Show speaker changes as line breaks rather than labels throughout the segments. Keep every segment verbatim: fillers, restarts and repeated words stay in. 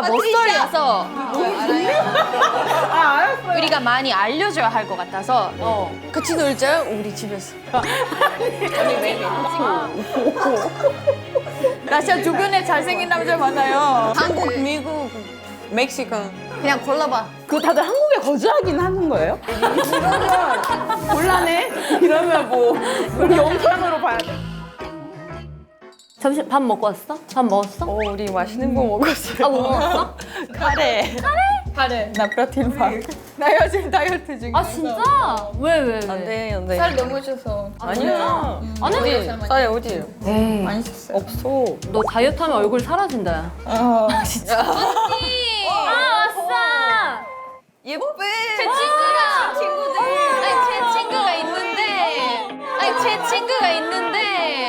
못쏠려서
아, 알았어요.
우리가 많이 알려줘야 할 것 같아서
어.
같이 놀자요? 우리 집에서.
러시아 주변에 잘생긴 남자 많아요.
한국, 미국, 멕시코.
그냥 골라봐.
그 다들 한국에 거주하긴 하는 거예요? 이러면 곤란해. 이러면 뭐 우리 영상으로 봐야 돼.
점심 밥 먹고 왔어? 밥 먹었어?
어, 우리 맛있는 거 먹었어요.
아, 뭐 먹었어?
카레.
카레. 나 프로틴 바. 나 요즘 다이어트 중이야.
아, 진짜? 왜, 왜, 왜?
안 돼, 안 돼.
살 너무 쪄서
아니야.
아니,
쌀이 어디에요?
많이 쪘어요.
없어.
너 다이어트 하면 얼굴 사라진다.
어.
아, 왔어!
예뻐.
제 친구가 친구들. 아니 제 친구가 있는데. 아니 제 친구가 있는데.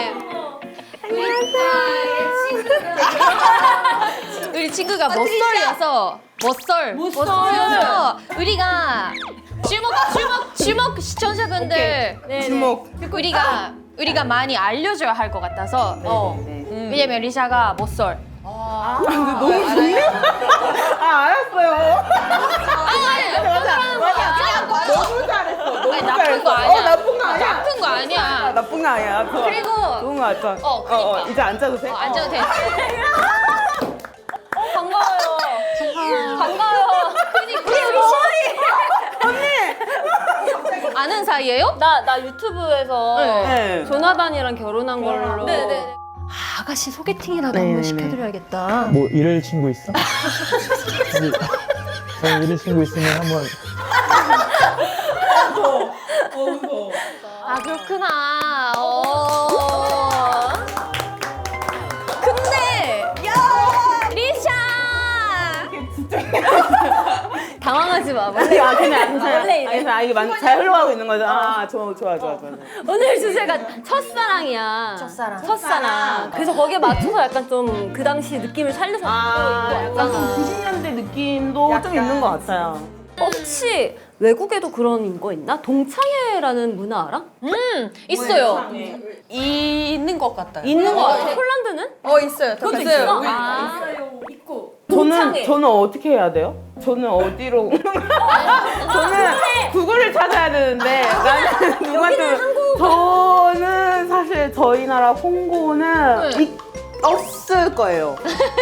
우리 친구가 못쏠려서 못쏠 못쏠려서 우리가 주목 주목 주목 시청자분들
주목.
우리가 우리가 많이 알려줘야 할 것 같아서 어. 왜냐면 리샤가 못쏠.
아, 근데 너무 좋네. 아, 알았어요.
맞아 맞아
너무 잘했어. 너무
아니,
잘했어.
나쁜 거 아니야.
어, 나쁜 거 아니야.
나쁜 거
아,
아니야.
나쁜 거 아니야. 좋아.
그리고
좋은 거 같아.
어, 그니까.
이제 앉아도 돼?
어, 앉아도 돼.
반가워요. 반가워요.
아는 사이예요?
나, 나 유튜브에서
네.
조나단이랑 결혼한 걸로.
네네. 아가씨 소개팅이라도
네네네.
한번 시켜드려야겠다.
뭐 이럴 친구 있어? 저기, 저희 이럴 친구 있으면 한번
아 그렇구나. 어. 근데 리샤.
당황하지 마.
아니, 아, 그냥 괜찮아.
원래 이래.
알겠어. 아, 이게 많- 잘 흘러가고 있는 거죠. 아, 좋아, 좋아, 좋아, 좋아.
오늘 주제가 첫사랑이야.
첫사랑.
첫사랑. 그래서 거기에 맞춰서 약간 좀 그 당시 느낌을 살려서
아,
입고
약간 좀
왔잖아.
구십 년대 느낌도 좀 있는 것 같아요.
혹시 외국에도 그런 거 있나? 동창회라는 문화 알아?
음 있어요.
있는 것 같아요.
있는 거 같아. 폴란드는?
어 있어요.
그것도
있어요.
있어?
우리-
아.
저는,
동창회.
저는 어떻게 해야 돼요? 저는 어디로. 저는 구글을 찾아야 되는데, 나는 누구한테. 저는 사실 저희 나라 홍보는
네.
이- 없을 거예요.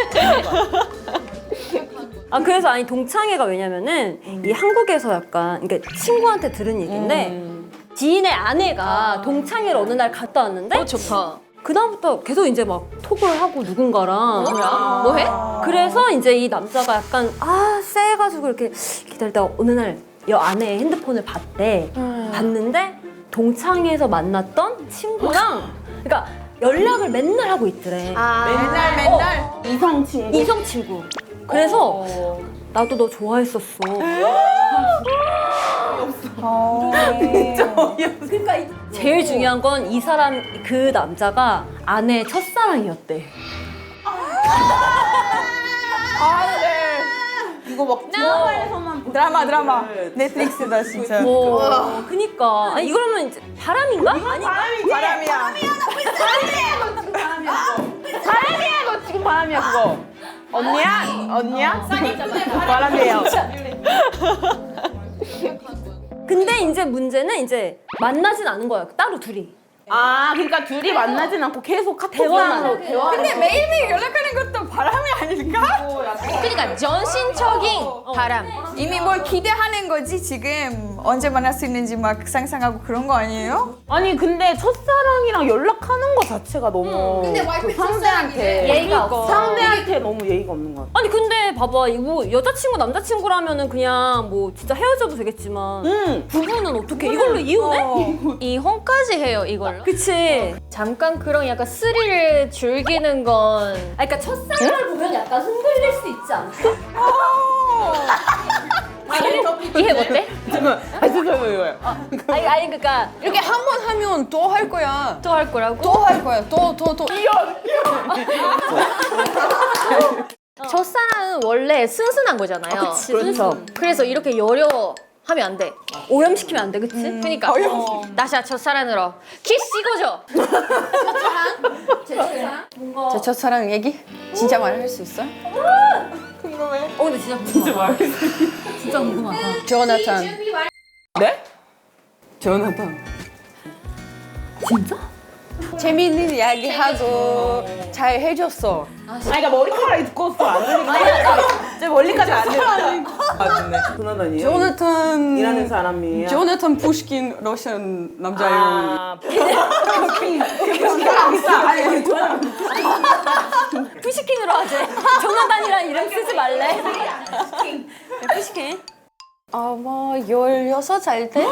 아 그래서 아니 동창회가 왜냐면은 이 한국에서 약간 그러니까 친구한테 들은 얘기인데 지인의 아내가 동창회를 어느 날 갔다 왔는데
어 좋다.
그다음부터 계속 이제 막 톡을 하고 누군가랑
뭐야? 뭐 해?
그래서 이제 이 남자가 약간 아 쎄가지고 이렇게 기다리다가 어느 날 여 아내의 핸드폰을 봤대. 봤는데 동창회에서 만났던 친구랑 그러니까 연락을 맨날 하고 있더래.
아
맨날 맨날.
이성 친구.
이성 친구. 그래서 나도 너 좋아했었어. 그러니까 이- 제일 중요한 건 이 사람 그 남자가 아내의 첫사랑이었대.
아, 네. 이거 막 드라마에서만
드라마 드라마. 넷플릭스다 진짜.
어, 그니까. 아니 이거라면 이제 바람인가? 아니
바람이지? 바람이야. 바람이야, 너 지금 바람이야, 그거. 언니야? 언니야? 바람이에요.
근데 이제 문제는 이제 만나진 않은 거야. 따로 둘이.
아, 그러니까 둘이 만나진 않고 계속
대화만
카톡으로
해.
대화.
근데 매일매일 연락하는 것도 바람이 아닐까?
그러니까 전신적인 바람.
이미 뭘 기대하는 거지 지금 언제 만날 수 있는지 막 상상하고 그런 거 아니에요?
아니, 근데 첫사랑이랑 연락하는 거 자체가 너무 그 상대한테
예의가 없어.
상대한테 너무 예의가 없는 것 같아.
아니 근데 봐봐 이거 여자친구 남자친구라면은 그냥 뭐 진짜 헤어져도 되겠지만
응.
부부는 어떻게 이걸로 이혼해?
이혼까지 해요 이걸로.
그치.
잠깐 그런 약간 스릴을 즐기는 건
아 그러니까 첫사랑을 보면 약간 흔들릴 수 있지 않을까?
이해 못해?
잠깐만, 아, 잠깐만, 이거요.
아니 아니 그러니까
이렇게 한 번 하면 또 할 거야.
또 할 거라고?
또 할 거야. 또, 또, 또.
첫사랑은 원래 순순한 거잖아요.
아, 그치.
그렇죠.
그래서 이렇게 여려 하면 안 돼.
오염시키면 안 돼, 그치?
그러니까 어. 나샤 첫사랑으로 키스 찍어줘.
제 첫사랑 얘기? 진짜 말할 수 있어?
궁금해.
이거 진짜 궁금하다. 진짜 궁금하다.
조나탄.
네?
조나탄.
진짜?
재미있는 이야기 하고 잘 해줬어.
아, 그러니까 머리카락이 두꺼웠어. 안 들리니까. 제 멀리까지 안 들려. 아, 좋네. 조나단이에요?
조나탄.
일하는 사람이에요?
조나탄 푸시킨 러시안 남자예요.
아, 아니, 조나단.
푸시킨으로 하지. 조나단이란 이름 쓰지 말래. 푸시킨.
아마 열여섯 살 때?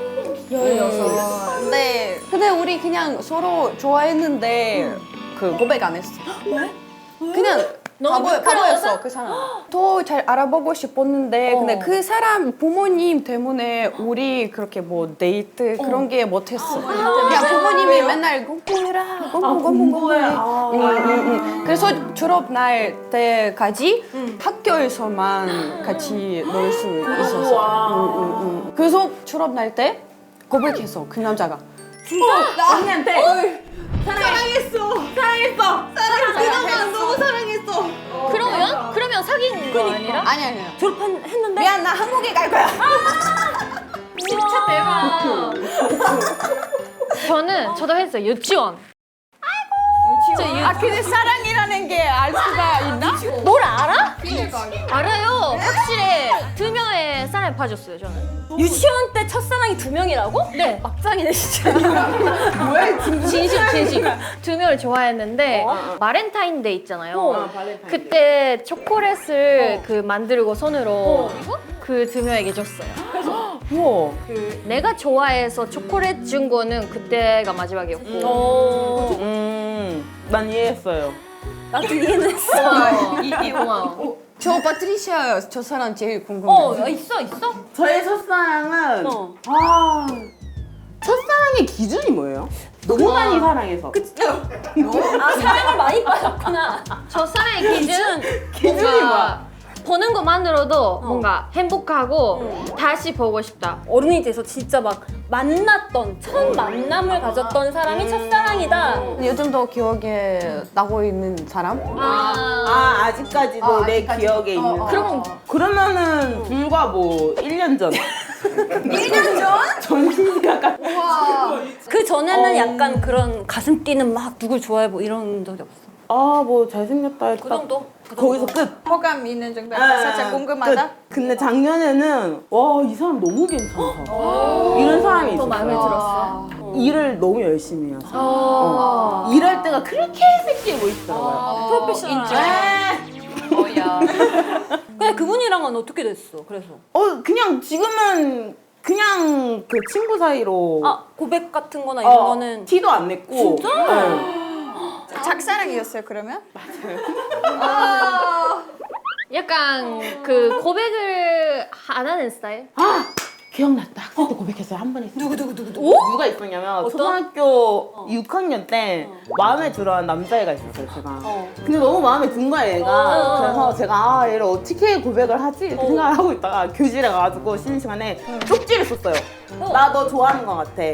열여섯. 네. 근데 우리 그냥 서로 좋아했는데 그 고백 안 했어. 왜? 그냥 바보, 바보였어 그 사람. 더 잘 알아보고 싶었는데 근데 그 사람 부모님 때문에 우리 그렇게 뭐 데이트 그런 게 못했어. 그냥 부모님이 맨날 공부해라, 공부, 공부, 공부해. 응, 응, 응. 그래서 졸업 날 때까지 학교에서만 같이 놀 수 있었어. 응, 응, 응. 그래서 졸업 날 때 고백했어 그 남자가.
진짜? 언니한테 사랑했어. 사랑했어.
그동안 너무 사랑했어.
그러면 그러면 사귄 거 아니라?
아니 아니야.
졸업했는데?
미안 나 한국에 갈 거야.
진짜 대박. 저는 저도 했어요. 유치원. 진짜 유...
아 근데 사랑이라는 게 알 수가 있나?
뭘 알아? 알아요. 확실히 두 명의 사랑에 빠졌어요. 저는.
유치원 때 첫사랑이 두 명이라고?
네.
막장이네 진짜.
진심 진심. 두 명을 좋아했는데 바렌타인데이 있잖아요.
어, 바렌타인데이.
그때 초콜릿을 그 만들고 손으로 그 두 명에게 줬어요.
우와.
내가 좋아해서 초콜릿 준 거는 그때가 마지막이었고.
어.
음, 난 이해했어요.
나도 이해는 했어.
이, 이 고마워.
저 파트리시아 저 사람 제일 궁금해.
어, 야, 있어 있어?
저의 첫사랑은
어.
아 첫사랑의 기준이 뭐예요? 너무 많이 사랑해서.
아 사랑을 많이 받았구나.
저 사랑의 기준
기준이
뭔가
뭐야?
보는 것만으로도 뭔가 행복하고 다시 보고 싶다.
어른이 돼서 진짜 막 만났던 첫 만남을 가졌던 사람이 첫사랑이다.
요즘도 기억에 나고 있는 사람?
아,
아 아직까지도
어,
내
아직까지도.
기억에 있는.
어, 어,
그럼
어.
그러면은 불과 뭐 일 년 전. 일 년 전? 전신이가 까.
그 전에는 약간 그런 가슴 뛰는 막 누굴 좋아해 뭐 이런 적이 없어.
아뭐 잘생겼다 했다.
그 정도? 그
거기서
정도?
끝.
호감 있는 정도.
아,
살짝 궁금하다.
끝. 근데 작년에는 와 이 사람 너무 괜찮다. 이런 사람이 있었어요.
마음에 들었어.
일을 너무 열심히 해서 어. 일할 때가 그렇게 새끼해 보이더라고요.
프로페셔널.
뭐야?
근데 그분이랑은 어떻게 됐어? 그래서
어 그냥 지금은 그냥 그 친구 사이로
아 고백 같은 거나 이런
어,
거는
티도 안 냈고.
진짜?
네.
작사랑이었어요 그러면?
약간 그 고백을 안 하는 스타일?
아 기억났다. 학생 때 고백했어요. 한 번 했어요. 누구 누구 누구 누구? 누가 있었냐면 초등학교 육 학년 때 마음에 들어한 남자애가 있었어요. 제가.
어.
근데 너무 마음에 든 거야 얘가.
어.
그래서 제가 아 얘를 어떻게 고백을 하지 이렇게 생각을 하고 있다가 교실에 가가지고 쉬는 시간에 쪽지를 썼어요. 나 너 좋아하는 것 같아.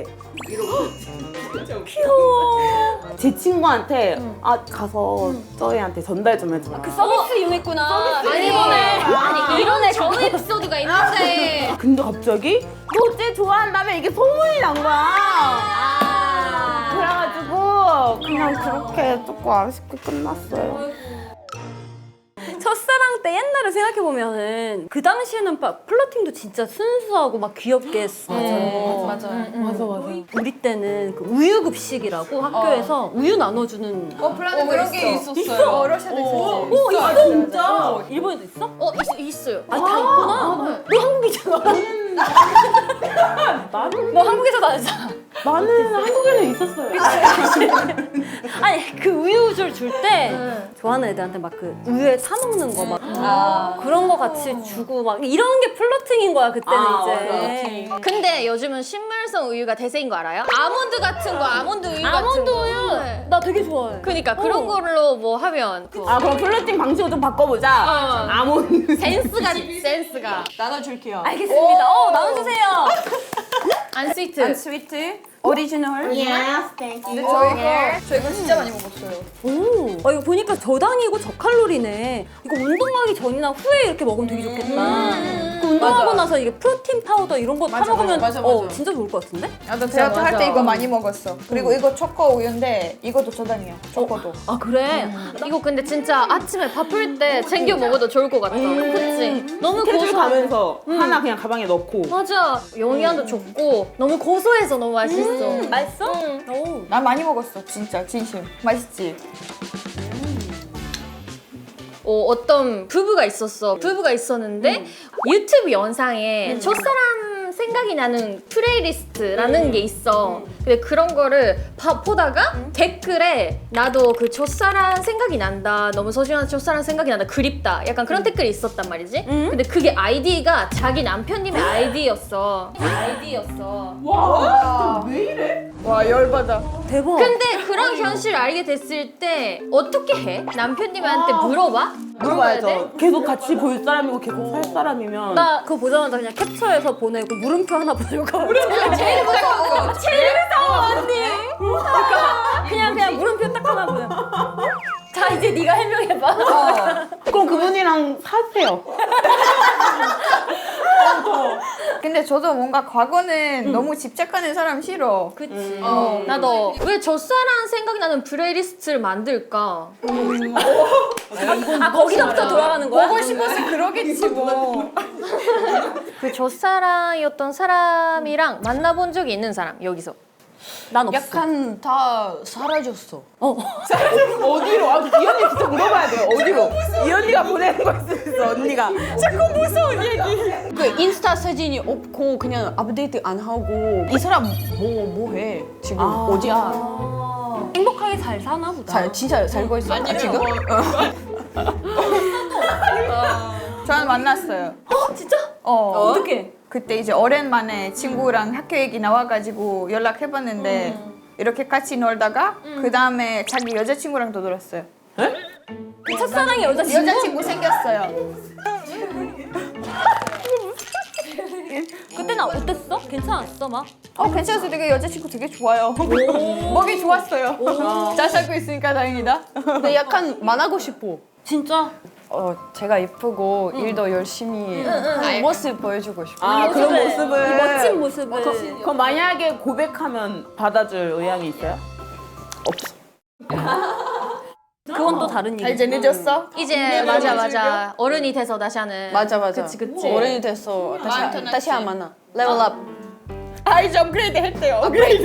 귀여워.
제 친구한테 아 가서 저희한테 전달 좀 해줘.
그 서비스 이용했구나.
아니 이번에 아니 이런 애 좋은 에피소드가 있는데.
근데 갑자기 너 쟤 좋아한다며 이게 소문이 난 거야.
아.
그래가지고 그냥 그렇게 조금 아쉽게 끝났어요.
첫사랑 때 옛날을 생각해 보면은 그 당시에는 막 플러팅도 진짜 순수하고 막 귀엽게 했어.
맞아요.
맞아 맞아.
우리 때는 그 우유 급식이라고 학교에서 우유 나눠주는.
어, 플라는
어, 그런 게 있었어요.
어, 러시아도 있었어.
오 있어 진짜. 일본에도 있어?
어 있, 있어요.
아니 다 있구나. 너 한국이잖아.
나는
너 한국에서 다녔잖아.
나는 한국에서 있었어요.
아니 그 우유줄 줄 때 좋아하는 애들한테 막 그 우유에 사 먹는 거 막 그런 거 같이 주고 막 이런 게 플러팅인 거야 그때는
아,
이제.
근데 요즘은 식물성 우유가 대세인 거 알아요? 아몬드 같은 거, 아몬드 우유 같은
아몬드
거.
우유
네.
나 되게 좋아해.
그러니까 그런 걸로 뭐 하면 그
아 그럼 플러팅 방식을 좀 바꿔보자.
어.
아몬드.
센스가 센스가
나눠줄게요.
알겠습니다. 어 나눠주세요.
안 스위트.
안 스위트.
오리지널?
Yes, thank
근데
you.
저 이거 저 이거 진짜 많이 먹었어요.
오, 아, 이거 보니까 저당이고 저칼로리네. 이거 운동하기 전이나 후에 이렇게 먹으면 되게 좋겠다. 그 운동하고
맞아.
나서 이게 프로틴 파우더 이런 거 타
맞아,
먹으면
맞아, 맞아,
어,
맞아.
진짜 좋을 것 같은데?
나도 대학교 할 때
맞아.
이거 많이 먹었어. 그리고 이거 초코 우유인데 이것도 저당이야. 초코도.
아 그래?
이거 근데 진짜 아침에 바쁠 때 챙겨 먹어도 좋을 것 같다. 그치? 너무
스케줄
고소.
가면서 하나 그냥 가방에 넣고.
맞아. 영양도 좋고 너무 고소해서 너무 맛있어.
맛있어?
응.
오.
나 많이 먹었어. 진짜 진심. 맛있지?
어, 어떤 부부가 있었어. 부부가 있었는데 유튜브 영상에 첫사람 생각이 나는 플레이리스트라는 게 있어. 근데 그런 거를 봐, 보다가 댓글에 나도 그 첫사랑 생각이 난다. 너무 소중한 첫사랑 생각이 난다. 그립다. 약간 그런 댓글이 있었단 말이지. 근데 그게 아이디가 자기 남편님의 아이디였어. 아이디였어.
와, 진짜 왜 이래?
와 열받아.
대박.
근데 그런 현실을 알게 됐을 때 어떻게 해? 남편님한테 물어봐? 물어봐야 돼?
물어봐야죠. 계속 같이 볼 사람이고 계속 살 사람이면.
나 그거 보자마자 그냥 캡처해서 보내고 물음표 하나 보내고
제일 무서워. 제일 무서워 언니.
그냥 그냥 물음표 딱 하나 보내. 자 이제 네가 해명해봐.
그럼 그분이랑 사세요.
근데 저도 뭔가 과거는 너무 집착하는 사람 싫어.
그치. 어, 나도 왜 첫사랑 생각이 나는 플레이리스트를 만들까?
아 거기서부터 돌아가는 거야?
보고 싶어서 그러겠지 뭐.
그 첫사랑이었던 사람이랑 만나본 적이 있는 사람 여기서.
난 없어.
약간 다 사라졌어.
어디로? 아, 이 언니 진짜 물어봐야 돼요. 어디로? 이 언니가 보내는 거 있을 수 있어, 언니가.
그 인스타 사진이 없고 그냥 업데이트 안 하고 이 사람 뭐 뭐 해? 지금 어디야?
행복하게 잘 사나 보다.
잘 진짜 살고 있어? 아, 지금?
저는 만났어요.
어 진짜?
어.
어떻게?
그때 이제 오랜만에 친구랑 학교 얘기 나와가지고 연락해봤는데 이렇게 같이 놀다가 그 다음에 자기 여자친구랑도 놀았어요.
그 첫사랑의 여자친구?
여자친구 생겼어요.
그때는 어땠어? 괜찮았어 막?
어 괜찮았어. 되게 여자친구 되게 좋아요. 먹이 좋았어요. 잘 살고 있으니까 다행이다.
근데 약간 만나고 싶어.
진짜?
어, 제가 예쁘고 일도 열심히 하는 모습 보여주고 싶어.
아, 그런
그래.
모습을.
이 멋진 모습을.
그럼 만약에 고백하면 받아줄 의향이 있어요? 없어.
그건 또 다른
아,
얘기.
이제 늦었어?
이제 맞아 맞아 어른이 돼서 다시 하는.
맞아 맞아.
그치 그치.
어른이 됐어. 다시 다시 안 만나. 레벨업.
아 이제 업그레이드 했대요. 업그레이드.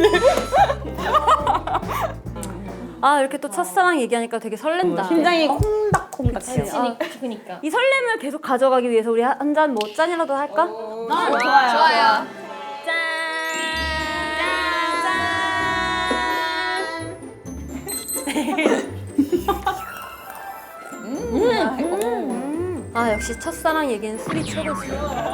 아 이렇게 또 첫사랑 얘기하니까 되게 설렌다.
심장이 콩닥콩닥해요.
아,
그니까.
이 설렘을 계속 가져가기 위해서 우리 한 잔 뭐 짠이라도 할까?
좋아요.
좋아요.
짠! 음. 아 역시 첫사랑 얘기는 술이 최고지.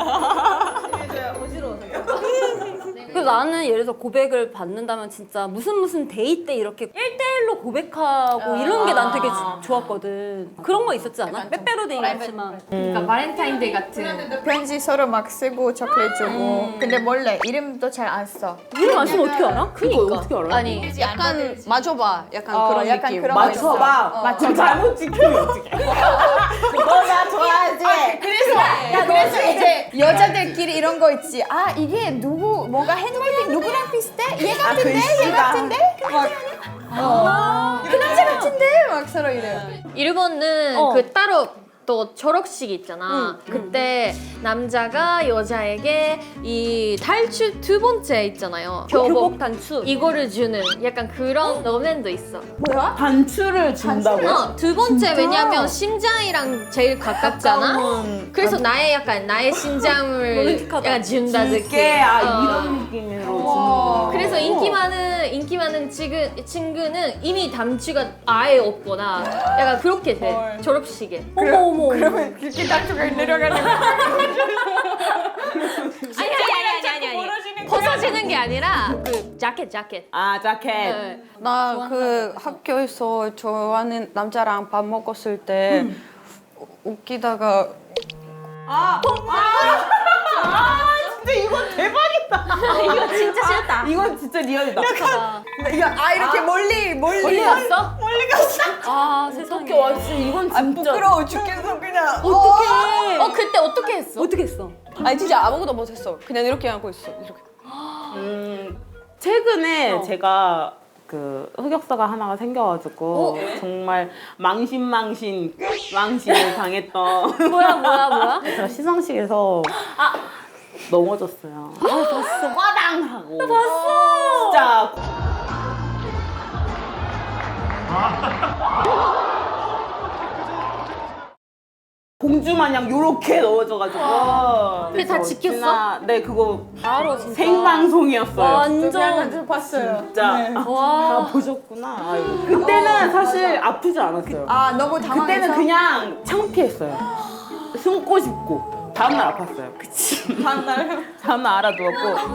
그래서 나는 예를 들어서 고백을 받는다면 진짜 무슨 무슨 데이 때 이렇게 일 대일로 고백하고 이런 게 난 되게 지- 좋았거든. 그런 거 있었지 않아? 빼빼로데이 같지만.
그러니까 바렌타인데이 같은.
편지 서로 막 쓰고 초콜릿 주고. 근데 몰래 이름도 잘 안 써.
이름 안 쓰면 어떻게 알아?
그니까 어떻게 알아?
아니
약간 맞춰봐. 약간
어,
그런
약간
느낌.
그런 거 있어.
맞춰봐.
어.
그럼 잘못 지키면 어떡해. 너나 좋아하지?
그래서 야, 그래서 이제 여자들끼리 이런 거 있지. 아 이게 누구 뭔가 핸드메이드 누구랑 비슷해? 얘 같은데? 얘
글씨가.
같은데? 막 어. 그 남자 같은데? 막 서로 이래요.
일본은
어.
그 따로 또 졸업식이 있잖아. 그때 남자가 여자에게 이 탈출 두 번째 있잖아요.
교복 단추.
이거를 주는 약간 그런 러맨도 있어.
뭐야?
단추를 준다고?
어, 두 번째 왜냐면 심장이랑 제일 가깝잖아. 그래서 나의 약간 나의 심장을
로맨틱하다.
약간 준다 느낌.
줄게. 아,
어.
이런 느낌으로 주는 거.
그래서 인기 많은 인기 많은 친구 친구는 이미 단추가 아예 없거나 약간 그렇게 돼
헐.
졸업식에.
어머 어머.
그러면 그렇게 단추가 내려가는 거.
아니 아니 아니 아니 아니 벗어지는 게 아니라 그 자켓 자켓.
아, 자켓.
네.
나 그 학교에서 좋아하는 남자랑 밥 먹었을 때 웃기다가
근데 이건 대박이다.
이거 진짜 싫다.
이건 진짜 리얼이다.
이거 아 이렇게 멀리 멀리.
멀리 갔어?
멀리 갔어.
아 세상에.
어떻게 왔지? 이건
아
진짜.
부끄러워 죽겠어 그냥.
어떡해.
어 그때 어떻게 했어?
어떻게 했어?
아니 진짜 아무것도 못했어. 그냥 이렇게 하고 있어. 이렇게.
음, 최근에 제가 그 흑역사가 하나가 생겨가지고 정말 망신망신 망신을 당했던
뭐야 뭐야 뭐야?
제가 시상식에서 넘어졌어요. 아 봤어. 꽈당 하고. 나 봤어. 진짜. 공주 마냥 요렇게 넣어져가지고.
그게 다
그래서
지켰어?
진짜- 네 그거
바로 진짜.
생방송이었어요.
완전
봤어요.
진짜
와.
다 보셨구나. 아이고. 그때는 사실 아프지 않았어요.
아 너무 당황해서.
그때는 그냥 창피했어요. 숨고 싶고. 다음날 아팠어요. 그치. 다음날 다음날 알아두었고.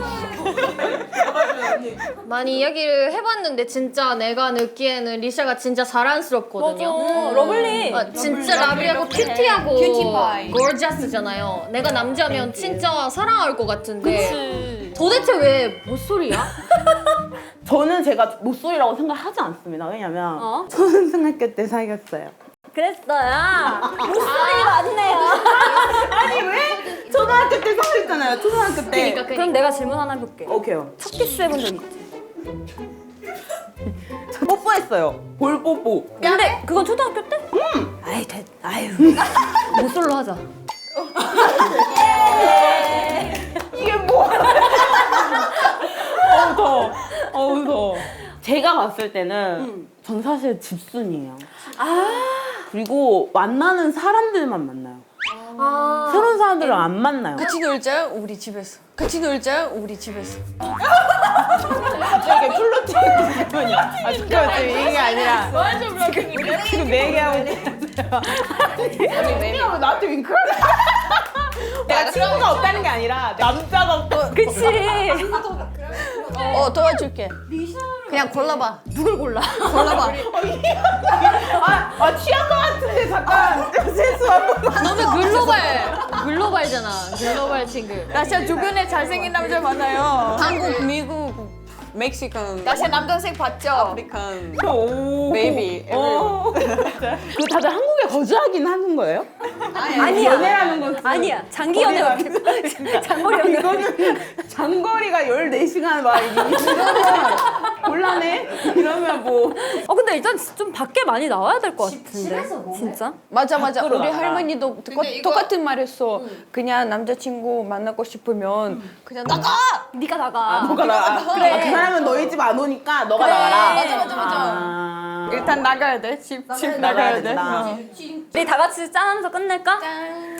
많이 이야기를 해봤는데 진짜 내가 느끼에는 리샤가 진짜 자랑스럽거든요.
맞아. 러블리.
아, 진짜 라블리하고 큐티하고
큐티파이.
gorgeous잖아요. 내가 남자면 진짜 사랑할 것 같은데 도대체 왜 못소리야?
저는 제가 목소리라고 생각하지 않습니다. 왜냐면
어?
초등학교 때 사귀었어요.
그랬어요. 목소리 맞네요.
아니 왜? 초등학교 때 사귀었잖아요. 초등학교 때.
그러니까
그럼 내가 질문 하나 해볼게.
오케이요.
첫 키스 해본 적 있지?
뽀뽀했어요. 볼 뽀뽀.
근데 그건 초등학교 때? 응. 아이 됐. 아유. 모쏠로 하자.
이게 뭐야? 어우 더워. 어우 더워. 제가 봤을 때는 전 사실 집순이에요.
아.
그리고 만나는 사람들만 만나요.
아,
새로운 사람들을 안 만나요.
같이 놀자 우리 집에서. 같이 놀자 우리 집에서.
이게 플로팅 기분이야. 아 잠깐만 지금 이게 아니라 지금 내 얘기하고 있어요. 얘기하고 나한테 윙크하네. 내가 친구가 없다는 게 아니라 남자가 없고.
그치.
어 도와줄게. 그냥 골라봐.
누굴 골라?
골라봐.
아, 아 취한 거 같은데 잠깐 세수 한 번만.
너무 글로벌 글로벌잖아. 글로벌 친구.
나 진짜 주변에 잘생긴 남자 많아요.
한국, 미국, 멕시칸,
나 제 남동생 봤죠?
아프리칸.
오.
베이비.
오. 그 다들 한국에 거주하긴 하는 거예요?
아니야.
연애라는 건
아니야. 장기 연애 어떻게? 장거리 연애.
이거는 장거리가 열네 시간 막 이러면 곤란해? 이러면 뭐
어 근데 일단 좀 밖에 많이 나와야 될 것 같은데. 진짜?
맞아 맞아.
밖으로
우리
나가.
할머니도 똑- 똑같은 말했어. 그냥 남자친구 만나고 싶으면 그냥 나가.
네가 나가.
너가 나가.
그래.
아, 그 사람은 너희 집 안 오니까 너가
그래.
나가라.
맞아,
맞아, 맞아.
아.
일단 나가야 돼. 집, 집
나가야
나가야 돼.
된다.
어.
우리 다 같이 짠하면서 끝낼까?
짠.